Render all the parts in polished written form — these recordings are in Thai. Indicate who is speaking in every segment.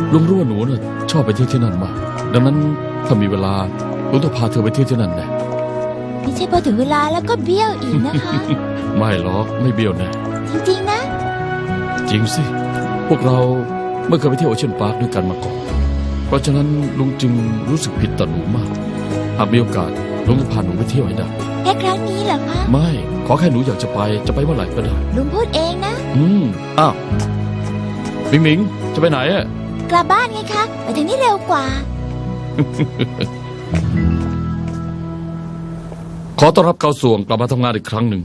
Speaker 1: ลุงรู้ว่าหนูน่ะชอบไปเที่ยวที่นั่นมากดังนั้นถ้ามีเวลาลุงต้องพาเธอไปเที่ยวที่นั่นแน่
Speaker 2: ไม่ใช่พอถึงเวลาแล้วก็เบี้ยวอีกนะคะ
Speaker 1: ไม่หรอกไม่เบี้ยวแน่
Speaker 2: จริงๆนะ
Speaker 1: จริงสิพวกเราไม่เคยไปเที่ยวโอเชียนพาร์คด้วยกันมาก่อนเพราะฉะนั้นลุงจึงรู้สึกผิดต่อหนูมากหากมีโอกาสลุงจะพาหนูไปเที่ยวให้ได้
Speaker 2: แค่ครั้งนี้เหรอคะ
Speaker 1: ไม่ขอแค่หนูอยากจะไปเมื่อไหร่ก็ได้
Speaker 2: ลุงพูดเองนะ
Speaker 1: อ้าวหมิงหมิงจะไปไหนอะ
Speaker 2: กลับบ้านไงคะไปทางนี้เร็วกว่า
Speaker 1: ขอต้อนรับเข้าส่วงกลับมาทำงานอีกครั้งหนึ่ง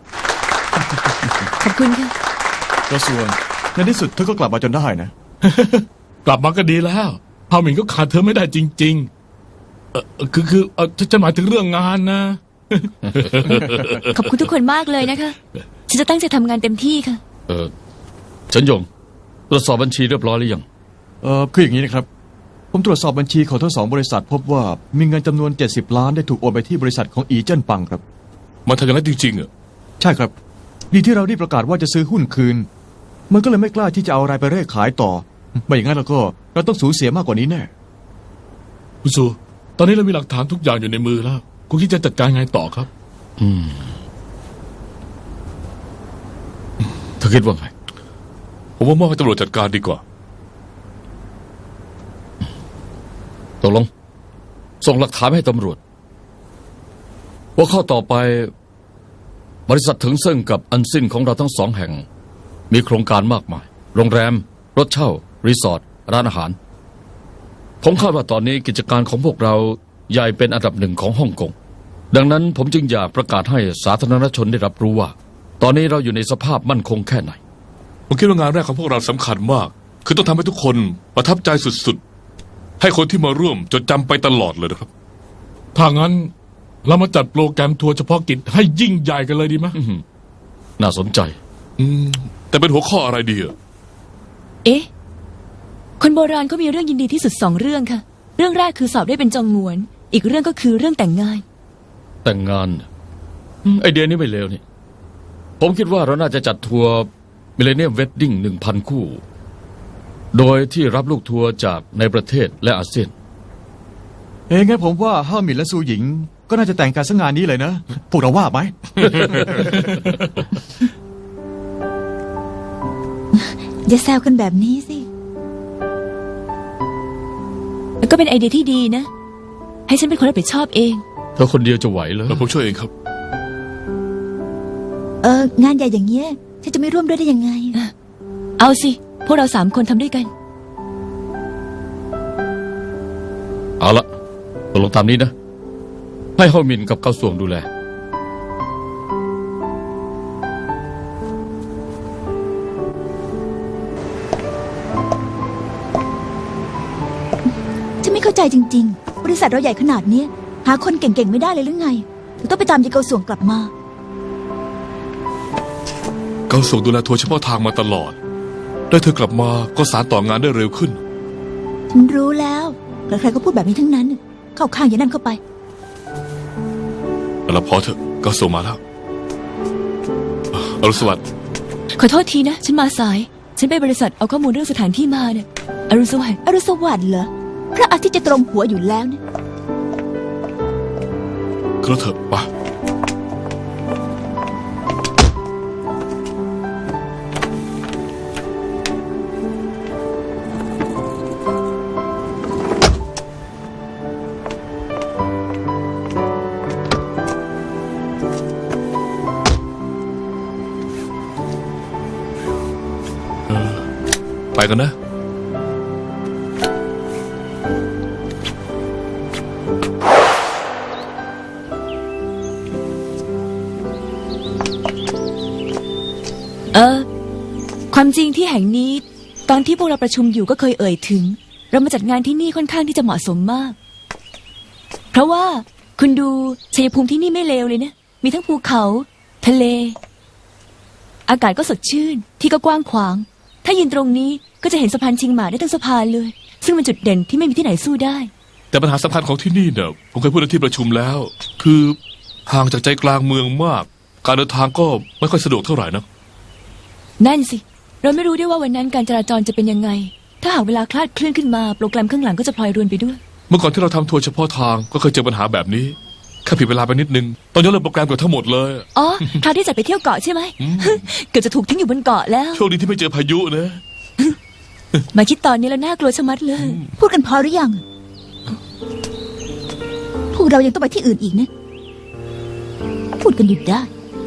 Speaker 3: ขอบคุณค่ะ
Speaker 4: กระทรวงในที่สุดเธอก็กลับมาจนได้นะ
Speaker 5: กลับมาก็ดีแล้วพาหมิงก็ขาดเธอไม่ได้จริงๆคือฉันหมายถึงเรื่องงานนะ
Speaker 3: ขอบคุณทุกคนมากเลยนะคะฉันจะตั้งใจทำงานเต็มที่ค่ะ
Speaker 1: เฉินหยงตรวจสอบบัญชีเรียบร้อยหรือยัง
Speaker 4: คืออย่างนี้นะครับผมตรวจสอบบัญชีของทั้งสองบริษัทพบว่ามีเงินจำนวน70 ล้านได้ถูกโอนไปที่บริษัทของอีเจิ้นปังครับ
Speaker 5: มาทำอย่างนั้นจริงๆเหรอ
Speaker 4: ใช่ครับดีที่เราได้ประกาศว่าจะซื้อหุ้นคืน มันก็เลยไม่กล้าที่จะเอาอะไรไปเร่ขายต่อไม่อย่างนั้นเราก็เราต้องสูญเสียมากกว่านี้แน่
Speaker 5: คุณสูตอนนี้เรามีหลักฐานทุกอย่างอยู่ในมือแล้วคุณคิดจะจัดการไงต่อครับ
Speaker 1: เธอคิดว่าไง
Speaker 5: ผมว่ามอบให้ตำรวจจัดการดีกว่า
Speaker 1: ตกลงส่งหลักฐานให้ตำรวจว่าข้อต่อไปบริษัทถึงเซิ่งกับอันซินของเราทั้งสองแห่ง มีโครงการมากมายโรงแรมรถเช่ารีสอร์ทร้านอาหารผมคาดว่าตอนนี้กิจการของพวกเราใหญ่เป็นอันดับหนึ่งของฮ่องกงดังนั้นผมจึงอยากประกาศให้สาธารณชนได้รับรู้ว่า ตอนนี้เราอยู่ในสภาพมั่นคงแค่ไหน
Speaker 5: ผมคิดว่างานแรกของพวกเราสำคัญมาก คือต้องทำให้ทุกคนประทับใจสุดๆให้คนที่มาร่วมจดจำไปตลอดเลยนะครับถ้างั้นเรามาจัดโปรแกรมทัวร์เฉพาะกิจให้ยิ่งใหญ่กันเลยดีไหม
Speaker 1: น่าสนใจ
Speaker 5: แต่เป็นหัวข้ออะไรดีอะ
Speaker 3: เอ๊ะ คนโบราณก็มีเรื่องยินดีที่สุด2 เรื่องค่ะ เรื่องแรกคือสอบได้เป็นจองงวน อีกเรื่องก็คือเรื่องแต่งงาน
Speaker 1: แต่งงานไอเดียนี้ไม่เลวนี่ผมคิดว่าเราน่าจะจัดทัวร์มิเลเนียมเวดดิ้ง 1,000 คู่ โดยที่รับลูกทัวร์จากในประเทศและอาเซียน
Speaker 4: งั้นผมว่าห้าหมินและซูหญิงก็น่าจะแต่งกันสักงานนี้เลยนะ พวกเราว่าไหม
Speaker 2: อย่าแซวกันแบบนี้สิ
Speaker 3: แล้วก็เป็นไอเดียที่ดีนะ ให้ฉันเป็นคนรับผิดชอบเอง
Speaker 1: เธอคนเดียวจะไหวเหรอ
Speaker 5: แล้วผมช่วยเองครับ
Speaker 2: งานใหญ่อย่างเงี้ยฉันจะไม่ร่วมด้วยได้ยังไง
Speaker 3: เอาสิ พวกเรา3 คนทำด้วยกัน
Speaker 1: เอาละตกลงตามนี้นะ ให้เฮาหมินกับเกาส่วงดูแล
Speaker 2: ฉันไม่เข้าใจจริงๆ บริษัทเราใหญ่ขนาดเนี้ยหาคนเก่งๆไม่ได้เลยหรือไงถึงต้องไปตามยายเกาส่วงกลับมา
Speaker 5: เขาส่งดูแลทัวร์เฉพาะทางมาตลอด ได้เธอกลับมาก็สานต่องานได้เร็วขึ้น
Speaker 2: ฉันรู้แล้วใครๆก็พูดแบบนี้ทั้งนั้น เข้าข้างอย่างนั้นเข้าไป
Speaker 5: แล้วพอเถอะก็ส่งมาแล้วอรุณสวัสดิ์
Speaker 3: ขอโทษทีนะ ฉันมาสาย ฉันไปบริษัทเอาข้อมูลเรื่องสถานที่มาเนี่ยอรุณสวัสดิ์
Speaker 2: อรุณสวัสดิ์เหรอ พระอาทิตย์จะตรงหัวอยู่แล้วนะ
Speaker 5: ก็เถอะไปไปกันนะ
Speaker 3: ความจริงที่แห่งนี้ตอนที่พวกเราประชุมอยู่ก็เคยเอ่ยถึง เรามาจัดงานที่นี่ค่อนข้างที่จะเหมาะสมมาก เพราะว่าคุณดูชัยภูมิที่นี่ไม่เลวเลยนะ มีทั้งภูเขา ทะเล อากาศก็สดชื่น ที่ก็กว้างขวาง ถ้ายืนตรงนี้ก็จะเห็นสะพานชิงหมาได้ทั้งสะพานเลย ซึ่งเป็นจุดเด่นที่ไม่มีที่ไหนสู้ได้
Speaker 5: แต่ปัญหาสำคัญของที่นี่เนี่ยผมเคยพูดในที่ประชุมแล้ว คือห่างจากใจกลางเมืองมาก การเดินทางก็ไม่ค่อยสะดวกเท่าไหร่นะ
Speaker 3: นั่นสิ เราไม่รู้ด้วยว่าวันนั้นการจราจรจะเป็นยังไงถ้าหากเวลาคลาดเคลื่อนขึ้นมาโปรแกรมข้างหลังก็จะพลอยรวนไปด้วย
Speaker 5: เมื่อก่อนที่เราทำทัวร์เฉพาะทางก็เคยเจอปัญหาแบบนี้แค่ผิดเวลาไปนิดนึงต้องยกเลิกโปรแกรมเกือบทั้งหมดเลย
Speaker 3: อ๋อ คราวที่จัดไปเที่ยวเกาะใช่ไหม เกือบจะถูกทิ้งอยู่บนเกาะแล้ว
Speaker 5: โชคดีที่ไม่เจอพายุนะ
Speaker 3: มาคิดตอนนี้แล้วน่ากลัวชะมัดเลย
Speaker 2: พูดกันพอหรือยังพวกเรายังต้องไปที่อื่นอีกนะ พูดกันหยุดได้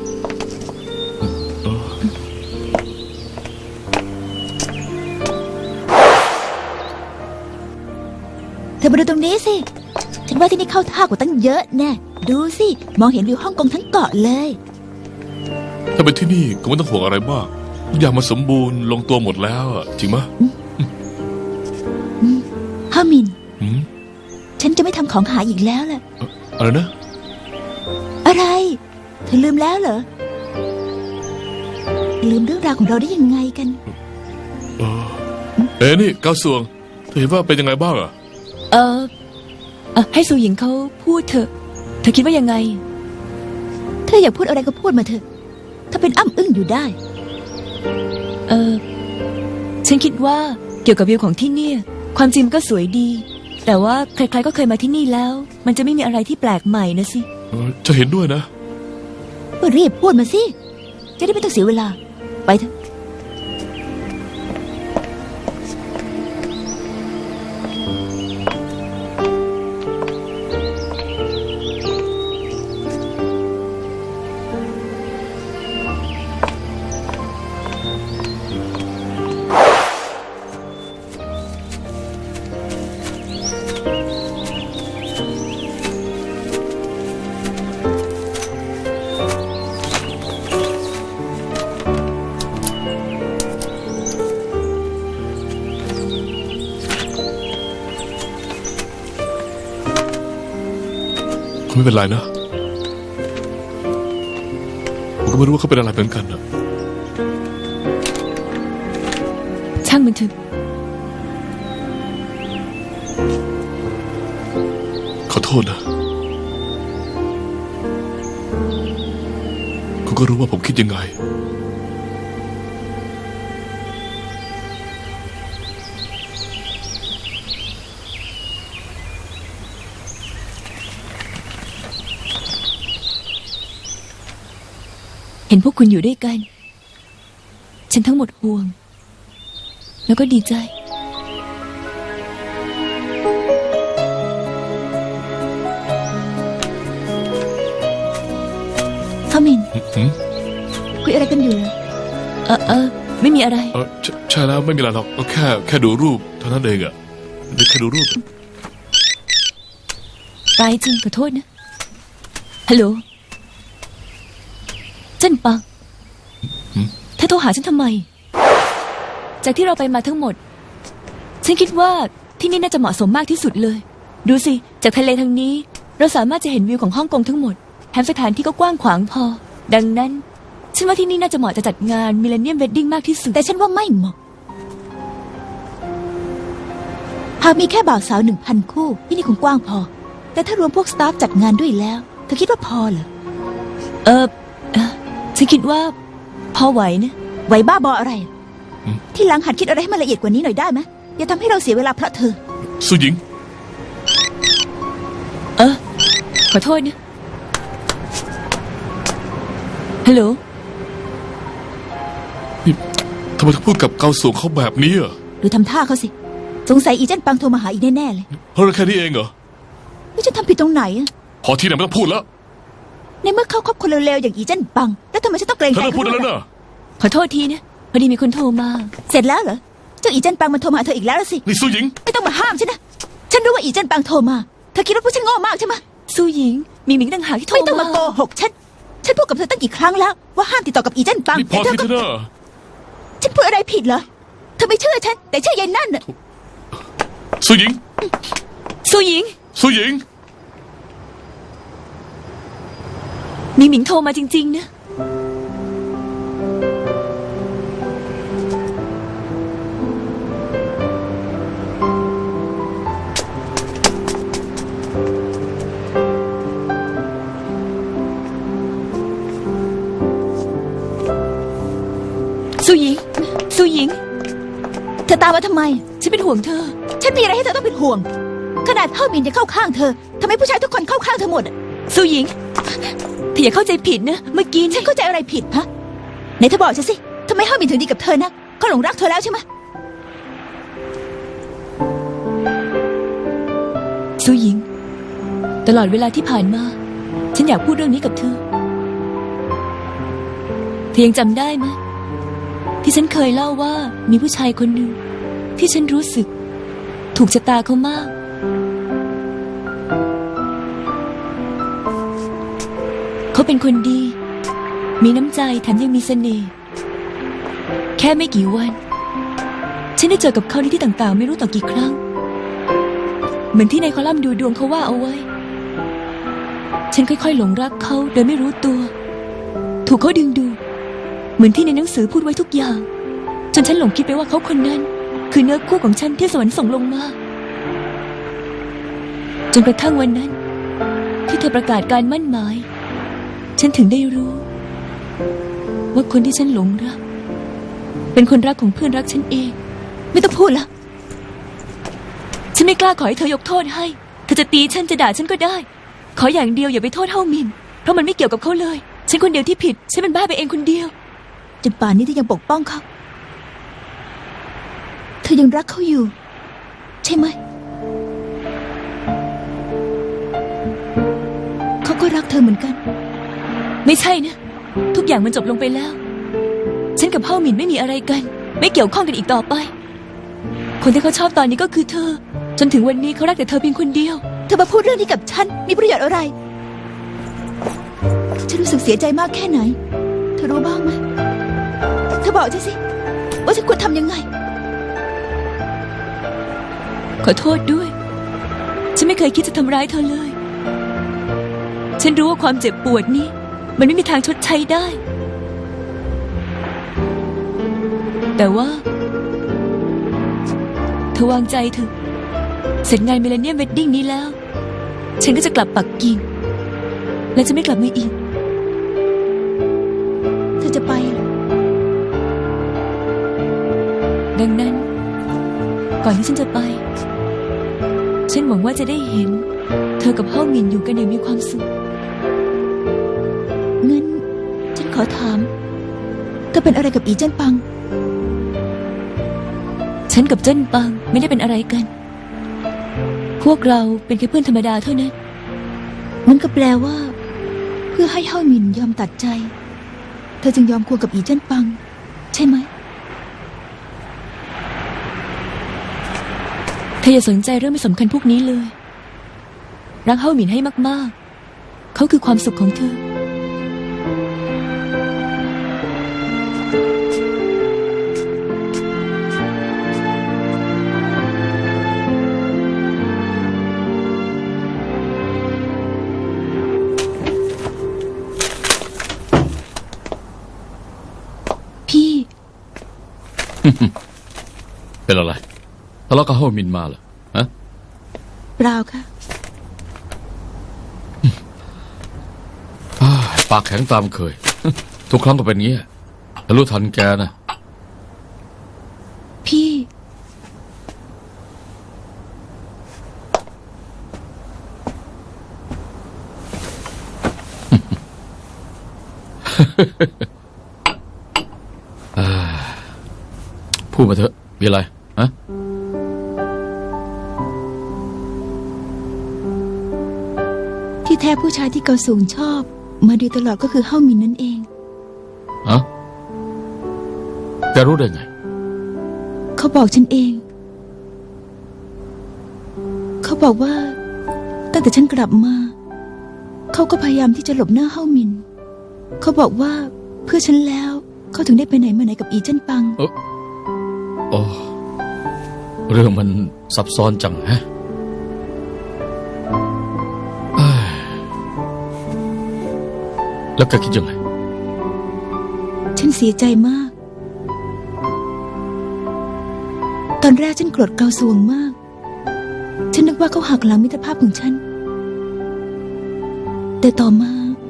Speaker 2: เธอมาดูตรงนี้สิ ฉันว่าที่นี่เข้าท่ากว่าตั้งเยอะแน่ ดูสิ มองเห็นวิวฮ่องกงทั้งเกาะเลย
Speaker 5: ถ้าเป็นที่นี่ก็ไม่ต้องห่วงอะไรมากทุกอย่างมันสมบูรณ์ลงตัวหมดแล้วอะจริงไหม
Speaker 2: ฮามิน
Speaker 5: อืม
Speaker 2: ฉันจะไม่ทำของหายอีกแล้วล่ะ
Speaker 5: อะไรนะ
Speaker 2: อะไร เธอลืมแล้วเหรอ ลืมเรื่องราวของเราได้ยังไงกัน
Speaker 5: นี่ก้าวสวงเธอเห็นว่าเป็นยังไงบ้างอะ
Speaker 3: ให้ซูหญิงเขาพูดเถอะ เธอคิดว่ายังไง
Speaker 2: เธออยากพูดอะไรก็พูดมาเถอะ ถ้าเป็นอ้ำอึ้งอยู่ได้
Speaker 3: ฉันคิดว่าเกี่ยวกับวิวของที่เนี่ย ความจริงมันก็สวยดี แต่ว่าใครๆก็เคยมาที่นี่แล้ว มันจะไม่มีอะไรที่แปลกใหม่นะสิ
Speaker 5: จะเห็นด้วยนะ
Speaker 2: ก็รีบพูดมาสิ จะได้ไม่ต้องเสียเวลา ไปเถอะ
Speaker 5: ไม่เป็นไรนะผมก็ไม่รู้ว่าเขาเป็นอะไรเหมือนกันนะ
Speaker 3: ช่างมันเถอะ
Speaker 5: ขอโทษนะคุณก็รู้ว่าผมคิดยังไง
Speaker 3: เห็นพวกคุณอยู่ด้วยกัน ฉันทั้งหมดห่วง แล้วก็ดีใจ
Speaker 2: ฮามิน
Speaker 5: หืม
Speaker 2: คุยอะไรกันอยู่เหรอ
Speaker 3: ไม่มีอะไร
Speaker 5: ใช่แล้วไม่มีอะไรหรอกก็แค่ดูรูปเท่านั้นเองอะนี่แค่ดูรูป
Speaker 3: ตายจริงขอโทษนะ ฮัลโหล เจิ้นปังเธอโทรหาฉันทำไม จากที่เราไปมาทั้งหมด ฉันคิดว่าที่นี่น่าจะเหมาะสมมากที่สุดเลย ดูสิ จากทะเลทางนี้ เราสามารถจะเห็นวิวของฮ่องกงทั้งหมด แถมสถานที่ก็กว้างขวางพอ ดังนั้น ฉันว่าที่นี่น่าจะเหมาะจะจัดงานมิเลเนียมเวดดิ้งมากที่สุด
Speaker 2: แต่ฉันว่าไม่เหมาะ หากมีแค่บ่าวสาว 1,000 คู่ ที่นี่คงกว้างพอ แต่ถ้ารวมพวกสตาฟจัดงานด้วยแล้ว เธอคิดว่าพอเหรอ
Speaker 3: ฉันคิดว่าพอไหวนะ
Speaker 2: ไหวบ้าบออะไร ที่หลังหัดคิดอะไรให้มันละเอียดกว่านี้หน่อยได้ไหมอย่าทำให้เราเสียเวลาเพราะเธอ
Speaker 5: สุหญิง
Speaker 3: ขอโทษนะ ฮัลโหล
Speaker 5: นี่ทำไมต้องพูดกับเกาสวงเขาแบบนี้อ่ะ
Speaker 2: ดูทำท่าเขาสิ สงสัยอีเจนปังโทรมาหาอีกแน่ๆเลย
Speaker 5: เพราะเราแค่นี้เองเหรอ
Speaker 2: แล้วจะทำผิดตรงไหนอะ
Speaker 5: พอที่ไหนไม่ต้องพูดแล้ว
Speaker 2: ในเมื่อเขาคบคนเร็วๆอย่างอีเจนปัง แล้วทำไมฉันต้องเกรง
Speaker 5: เธอ
Speaker 2: ใจ
Speaker 5: เลิกพูดได้แล้ว
Speaker 2: ด้วย
Speaker 5: นะ
Speaker 3: ขอโทษทีนะ พอดีมีคนโทรมา
Speaker 2: เสร็จแล้วเหรอ เจ้าอีเจนปังมันโทรมาหาเธออีกแล้วล่ะสิ
Speaker 5: นี่สุหญิง
Speaker 2: ไม่ต้องมาห้ามฉันนะ ฉันรู้ว่าอีเจนปังโทรมา เธอคิดว่าพวกฉันโง่มากใช่ไหม
Speaker 3: สู้หญิง มีหมิงต่างหากที่โทร
Speaker 2: ไม่ต้องมาโกหกฉัน ฉันพูดกับเธอตั้งกี่ครั้งแล้ว ว่าห้ามติดต่อกับอีเจนปัง
Speaker 5: นี่พอ
Speaker 2: แต่เธ
Speaker 5: ที่
Speaker 2: อ
Speaker 5: เธ
Speaker 2: ก็
Speaker 5: อนะ
Speaker 2: ฉันพูดอะไรผิดเหรอ เธอไม่เชื่อฉัน แต่เชื่อยายนั่นน่ะ
Speaker 5: สุหญิง
Speaker 3: สู้หญิง
Speaker 5: สุหญิง
Speaker 3: มีหมิงโทรมาจริงๆนะ สู้หญิง สู้หญิง
Speaker 2: เธอตามมาทำไม
Speaker 3: ฉันห่วงเธอ
Speaker 2: ฉันมีอะไรให้เธอต้องเป็นห่วง ขนาดเท่ามินจะเข้าข้างเธอทำไมผู้ชายทุกคนเข้าข้างเธอหมดอะ
Speaker 3: สู้หญิงเธออย่าเข้าใจผิดนะ เมื่อกี้
Speaker 2: ฉันเข้าใจอะไรผิดฮะไหนเธอบอกฉันสิทำไมเท่ามินถึงดีกับเธอนะเขาหลงรักเธอแล้วใช่ไหม
Speaker 3: สู้หญิง ตลอดเวลาที่ผ่านมา ฉันอยากพูดเรื่องนี้กับเธอ เธอยังจำได้ไหมที่ฉันเคยเล่าว่ามีผู้ชายคนหนึ่งที่ฉันรู้สึก ถูกชะตาเขามาก เขาเป็นคนดี มีน้ำใจแถมยังมีเสน่ห์แค่ไม่กี่วัน ฉันได้เจอกับเขาในที่ต่างๆ ไม่รู้ต่อกี่ครั้ง เหมือนที่ในคอลัมน์ดูดวงเขาว่าเอาไว้ ฉันค่อยๆหลงรักเขาโดยไม่รู้ตัว ถูกเขาดึงดูดเหมือนที่ในหนังสือพูดไว้ทุกอย่าง จนฉันหลงคิดไปว่าเขาคนนั้น คือเนื้อคู่ของฉันที่สวรรค์ส่งลงมา จนกระทั่งวันนั้น ที่เธอประกาศการมั่นหมาย ฉันถึงได้รู้ ว่าคนที่ฉันหลงรัก เป็นคนรักของเพื่อนรักฉันเอง
Speaker 2: ไม่ต้องพูดละ
Speaker 3: ฉันไม่กล้าขอให้เธอยกโทษให้ เธอจะตีฉันจะด่าฉันก็ได้ ขออย่างเดียวอย่าไปโทษเท่ามิน เพราะมันไม่เกี่ยวกับเขาเลย ฉันคนเดียวที่ผิด ฉันเป็นบ้าไปเองคนเดียว
Speaker 2: จนป่านนี้เธอยังปกป้องเขาเธอยังรักเขาอยู่ ใช่ไหมเขาก็รักเธอเหมือนกัน
Speaker 3: ไม่ใช่นะ ทุกอย่างมันจบลงไปแล้ว ฉันกับเฮ้าหมินไม่มีอะไรกัน ไม่เกี่ยวข้องกันอีกต่อไป คนที่เขาชอบตอนนี้ก็คือเธอ จนถึงวันนี้เขารักแต่เธอเพียงคนเดียว
Speaker 2: เธอมาพูดเรื่องนี้กับฉันมีประโยชน์อะไร ฉันรู้สึกเสียใจมากแค่ไหน เธอรู้บ้างไหมเธอบอกฉันสิว่าฉันควรทำยังไง
Speaker 3: ขอโทษด้วย ฉันไม่เคยคิดจะทำร้ายเธอเลย ฉันรู้ว่าความเจ็บปวดนี้ มันไม่มีทางชดใช้ได้ แต่ว่าเธอวางใจเถอะ เสร็จงานมิเลเนียมเวดดิ้งนี้แล้ว ฉันก็จะกลับปักกิ่ง และจะไม่กลับมาอีก
Speaker 2: เธอจะไปเหรอ
Speaker 3: ดังนั้น ก่อนที่ฉันจะไป ฉันหวังว่าจะได้เห็น เธอกับเฮ้าหมินอยู่กันอย่างมีความสุข
Speaker 2: งั้นฉันขอถามเธอเป็นอะไรกับอีเจิ้นปัง
Speaker 3: ฉันกับเจิ้นปังไม่ได้เป็นอะไรกัน พวกเราเป็นแค่เพื่อนธรรมดาเท่านั้น
Speaker 2: นั่นก็แปลว่า เพื่อให้เฮาหมินยอมตัดใจ เธอจึงยอมควงกับอีเจิ้นปัง ใช่ไหม
Speaker 3: เธออย่าสนใจเรื่องไม่สำคัญพวกนี้เลย รักเฮ้าหมินให้มากๆ เขาคือความสุขของเธอ
Speaker 2: พี่
Speaker 1: เป็นอะไรทะเลาะกับเฮามินมาเหรอฮะ
Speaker 2: เปล่าค่ะ
Speaker 1: ปากแข็งตามเคย ทุกครั้งก็เป็นงี้แต่รู้ทันแกนะ
Speaker 2: พี่
Speaker 1: พูดมาเถอะมีอะไรฮะ
Speaker 2: ที่แท้ผู้ชายที่เกาสูงชอบ มาโดยตลอดก็คือเฮาหมินนั่นเอง
Speaker 1: ฮะแกรู้ได้ไง
Speaker 2: เขาบอกฉันเอง เขาบอกว่า ตั้งแต่ฉันกลับมา เขาก็พยายามที่จะหลบหน้าเฮาหมิน เขาบอกว่าเพื่อฉันแล้ว เขาถึงได้ไปไหนมาไหนกับอีเจิ้นปัง
Speaker 1: โอ้เรื่องมันซับซ้อนจังฮะเอ้ยแล้วแกคิดยังไง
Speaker 2: ฉันเสียใจมาก ตอนแรกฉันโกรธเกาสวงมาก ฉันนึกว่าเขาหักหลังมิตรภาพของฉัน แต่ต่อมา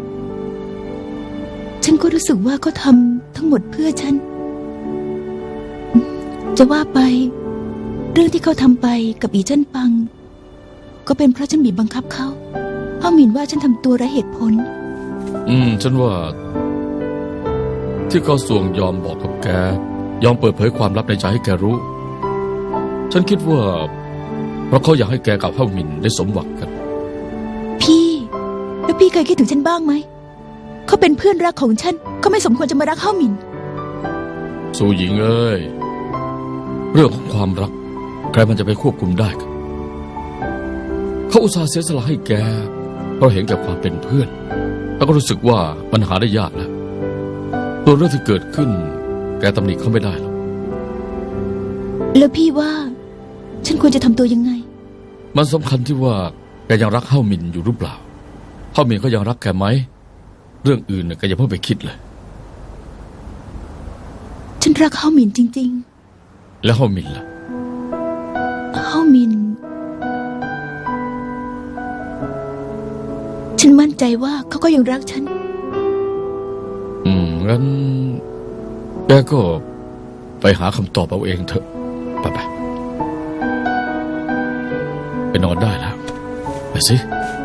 Speaker 2: ฉันก็รู้สึกว่าเขาทำทั้งหมดเพื่อฉัน จะว่าไปเรื่องที่เขาทำไปกับอีเจิ้นปัง ก็เป็นเพราะฉันบีบบังคับเขาเฮาหมินว่าฉันทำตัวไร้เหตุผล
Speaker 1: ฉันว่า ที่เขาส่วงยอมบอกกับแก ยอมเปิดเผยความลับในใจให้แกรู้ ฉันคิดว่า เพราะเขาอยากให้แกกับเฮาหมินได้สมหวังกัน
Speaker 2: พี่แล้วพี่เคยคิดถึงฉันบ้างไหม เขาเป็นเพื่อนรักของฉันเขาไม่สมควรจะมารักเฮาหมิน
Speaker 1: สู่หญิงเอ้ย เรื่องของความรัก ใครมันจะไปควบคุมได้กันเขาอุตส่าห์เสียสละให้แก เพราะเห็นแก่ความเป็นเพื่อน แล้วก็รู้สึกว่ามันหาได้ยากแล้วตัวเรื่องที่เกิดขึ้น แกตำหนิเขาไม่ได้หรอก
Speaker 2: แล้วพี่ว่า ฉันควรจะทำตัวยังไง
Speaker 1: มันสำคัญที่ว่าแกยังรักเฮาหมินอยู่หรือเปล่าเฮาหมินเขายังรักแกไหมเรื่องอื่นน่ะแกอย่าเพิ่งไปคิดเลย
Speaker 2: ฉันรักเฮาหมินจริง
Speaker 1: แล้วเฮาหมินล่ะ
Speaker 2: ๆ เฮาหมิน ฉันมั่นใจว่าเขาก็ยังรักฉัน
Speaker 1: งั้นแกก็ไปหาคำตอบเอาเองเถอะไปไปนอนได้แล้วไปสิ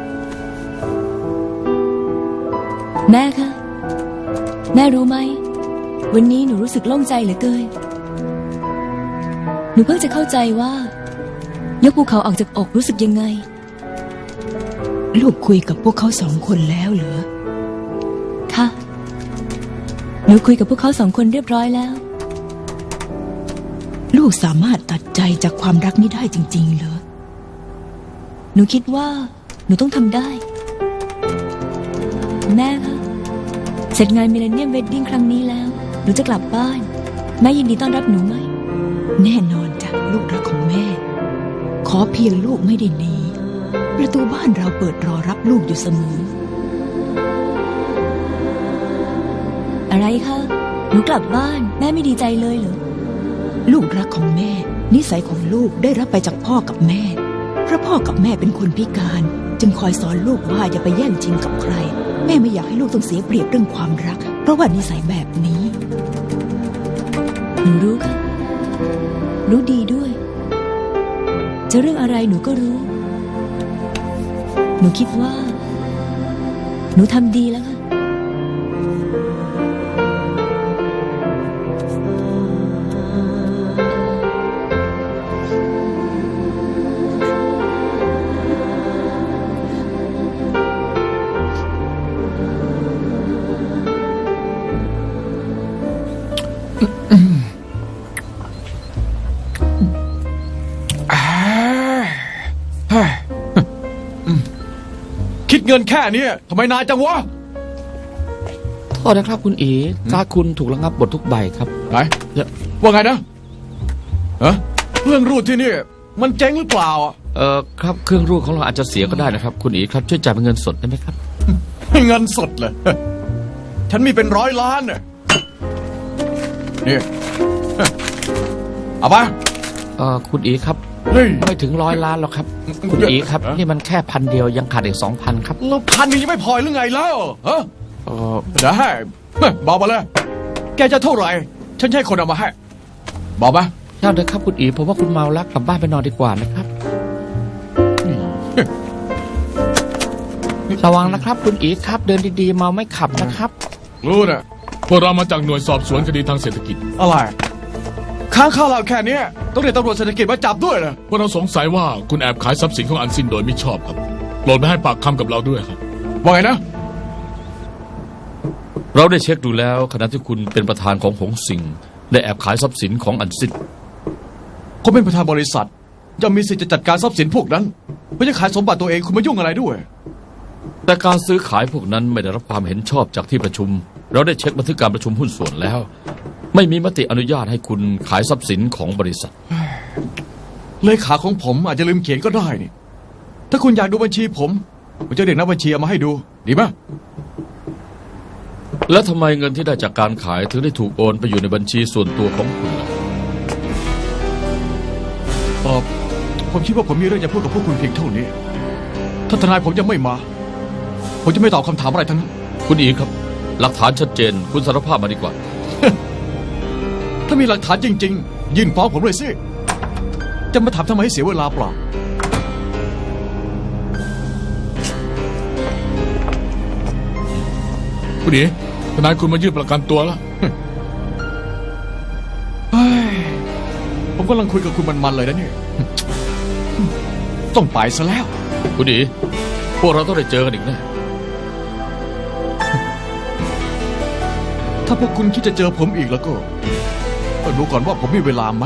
Speaker 3: แม่คะ แม่รู้ไหม วันนี้หนูรู้สึกโล่งใจเหลือเกิน หนูเพิ่งจะเข้าใจว่า ยกภูเขาออกจากอกรู้สึกยังไง
Speaker 2: ลูกคุยกับพวกเขา2 คนแล้วเหรอ
Speaker 3: ค่ะ หนูคุยกับพวกเขา2 คนเรียบร้อยแล้ว
Speaker 2: ลูกสามารถตัดใจจากความรักนี้ได้จริง ๆ เหรอ
Speaker 3: หนูคิดว่าหนูต้องทำได้ แม่คะ เสร็จงานมิเลเนียมเวดดิ้งครั้งนี้แล้ว หนูจะกลับบ้าน แม่ยินดีต้อนรับหนูไหม
Speaker 2: แน่นอนจ้ะลูกรักของแม่ ขอเพียงลูกไม่ได้หนีประตูบ้านเราเปิดรอรับลูกอยู่เสมอ
Speaker 3: อะไรคะ หนูกลับบ้าน แม่ไม่ดีใจเลยเหรอ
Speaker 2: ลูกรักของแม่ นิสัยของลูกได้รับไปจากพ่อกับแม่ เพราะพ่อกับแม่เป็นคนพิการ จึงคอยสอนลูกว่าอย่าไปแย่งชิงกับใคร แม่ไม่อยากให้ลูกต้องเสียเปรียบเรื่องความรัก เพราะว่านิสัยแบบนี้
Speaker 3: หนูรู้ค่ะ รู้ดีด้วย จะเรื่องอะไรหนูก็รู้ หนูคิดว่า หนูทำดีแล้วค่ะ
Speaker 4: คิดเงินแค่เนี้ยทำไมนานจังวะ
Speaker 6: โทษนะครับคุณอีการ์ดคุณถูกระงับหมดทุกใบครับ
Speaker 4: ไหนว่าไงนะฮะเรื่องรูดที่นี่ มันเจ๊งหรือเปล่าอ่ะ
Speaker 6: ครับเครื่องรูดของเราอาจจะเสียก็ได้นะครับ คุณอีครับช่วยจ่ายเป็นเงินสดได้ไหมครับ
Speaker 4: ให้เงินสดเลย ฉันมีเป็น100 ล้านเนี่ยนี่เอาไป
Speaker 6: คุณอีครับ
Speaker 4: เฮ้ย
Speaker 6: ไม่ถึง100 ล้านหรอกครับ คุณอีครับ นี่มันแค่1,000 เดียวยังขาดอีก 2,000 ครับ
Speaker 4: แล้ว1,000ยังไม่พอหรือไงแล้วฮะ
Speaker 6: เอ่อ
Speaker 4: ได้บอกมาเลย แกจะเท่าไหร่ ฉันจะให้คนเอามาให้ บอกมา
Speaker 6: เจ้าเถอะครับคุณอีผมว่าคุณเมาแล้วกลับบ้านไปนอนดีกว่านะครับ ระวังนะครับ คุณอีครับ เดินดีๆเมาไม่ขับนะครับ
Speaker 4: รู้นะ
Speaker 5: พวกเรามาจากหน่วยสอบสวนคดีทางเศรษฐกิจ
Speaker 4: อะไร ค้างค่าเราแค่เนี้ยต้องเรียกตำรวจเศรษฐกิจมาจับด้วยเหรอ
Speaker 5: พวกเราสงสัยว่าคุณแอบขายทรัพย์สินของอันซินโดยไม่ชอบครับโปรดไม่ให้ปากคำกับเราด้วยครับ
Speaker 4: ว่าไงนะ
Speaker 1: เราได้เช็คดูแล้วขณะที่คุณเป็นประธานของหงสิงได้แอบขายทรัพย์สินของอันซิน
Speaker 4: ผมเป็นประธานบริษัทจะมีสิทธิ์จะจัดการทรัพย์สินพวกนั้นไม่ใช่ขายสมบัติตัวเองคุณมายุ่งอะไรด้วย
Speaker 1: แต่การซื้อขายพวกนั้นไม่ได้รับความเห็นชอบจากที่ประชุม เราได้เช็คบันทึกการประชุมหุ้นส่วนแล้ว ไม่มีมติอนุญาตให้คุณขายทรัพย์สินของบริษัท
Speaker 4: เลขาของผมอาจจะลืมเขียนก็ได้นี่ ถ้าคุณอยากดูบัญชีผมจะเรียกนักบัญชีเอามาให้ดู ดีไหม
Speaker 1: แล้วทำไมเงินที่ได้จากการขายถึงได้ถูกโอนไปอยู่ในบัญชีส่วนตัวของคุณล่ะ
Speaker 4: ผมคิดว่าผมมีเรื่องจะพูดกับพวกคุณเพียงเท่านี้ ถ้าทนายผมยังไม่มา ผมจะไม่ตอบคำถามอะไรทั้งนั้น
Speaker 1: คุณอีครับ หลักฐานชัดเจนคุณสารภาพมาดีกว่า
Speaker 4: ถ้ามีหลักฐานจริง ๆ ยื่นฟ้องผมเลยสิ จะจะมาถามทำไมให้เสียเวลาเปล่า
Speaker 5: คุณเอ๋ทนายคุณมายื่นประกันตัวแล้ว
Speaker 4: เฮ้ย ผมกำลังคุยกับคุณมันๆเลยนะเนี่ย ต้องไปซะแล้ว
Speaker 1: คุณดีพวกเราต้องได้เจอกันอีกแน่
Speaker 4: ถ้าพวกคุณคิดจะเจอผมอีกแล้วก็ดูก่อนว่าผมมีเวลาไหม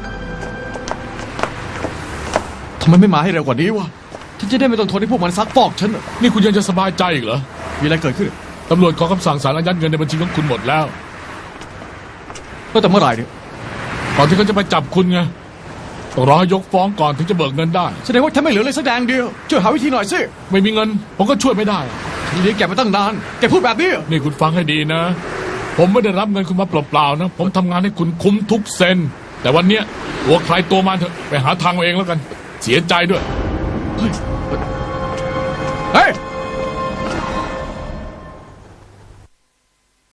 Speaker 4: ทำไมไม่มาให้เร็วกว่านี้วะฉันจะได้ไม่ต้องทนให้พวกมันซักฟอกฉันน่ะ
Speaker 5: นี่คุณยังจะสบายใจอีกเหรอ
Speaker 4: มีอะไรเกิดขึ้น
Speaker 5: ตำรวจขอคำสั่งศาลอายัดเงินในบัญชีของคุณหมดแล้ว
Speaker 4: ก็แต่เมื่อไหร่เนี่ย
Speaker 5: ก่อนที่เขาจะไปจับคุณไงต้องรอให้ยกฟ้องก่อนถึงจะเบิกเงินได้
Speaker 4: แสดงว่าฉันไม่เหลือเลยสักแดงเดียว ช่วยหาวิธีหน่อยสิ
Speaker 5: ไม่มีเงิน ผมก็ช่วยไม่ได้
Speaker 4: ทีนี้แกมาตั้งนาน แกพูดแบบนี้
Speaker 5: นี่คุณฟังให้ดีนะ ผมไม่ได้รับเงินคุณมาเปล่าๆนะ ผมทำงานให้คุณคุ้มทุกเซน แต่วันเนี้ยตัวใครตัวมันเถอะไปหาทางเอาเองแล้วกัน เสียใจด้วย
Speaker 4: เฮ้ย